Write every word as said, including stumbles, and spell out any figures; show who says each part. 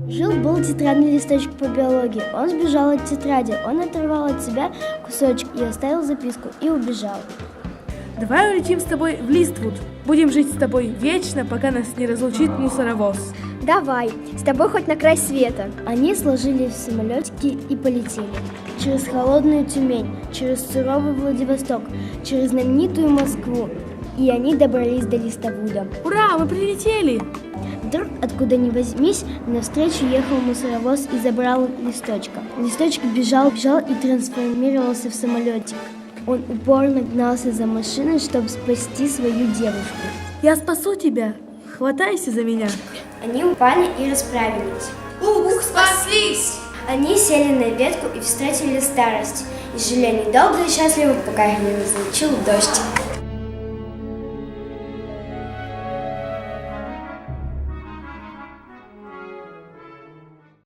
Speaker 1: Жил-был тетрадный листочек по биологии. Он сбежал от тетради, он оторвал от себя кусочек и оставил записку, и убежал.
Speaker 2: Давай улетим с тобой в Листвуд. Будем жить с тобой вечно, пока нас не разлучит мусоровоз.
Speaker 3: Давай, с тобой хоть на край света.
Speaker 1: Они сложились в самолетики и полетели. Через холодную Тюмень, через суровый Владивосток, через знаменитую Москву. И они добрались до Листвуда.
Speaker 2: Ура, мы прилетели!
Speaker 1: Вдруг, откуда ни возьмись, навстречу ехал мусоровоз и забрал листочка. Листочек бежал, бежал и трансформировался в самолетик. Он упорно гнался за машиной, чтобы спасти свою девушку.
Speaker 2: Я спасу тебя. Хватайся за меня.
Speaker 1: Они упали и расправились.
Speaker 4: Ух, спаслись!
Speaker 1: Они сели на ветку и встретили старость. И жили они долго и счастливо, пока их не разлучил дождь.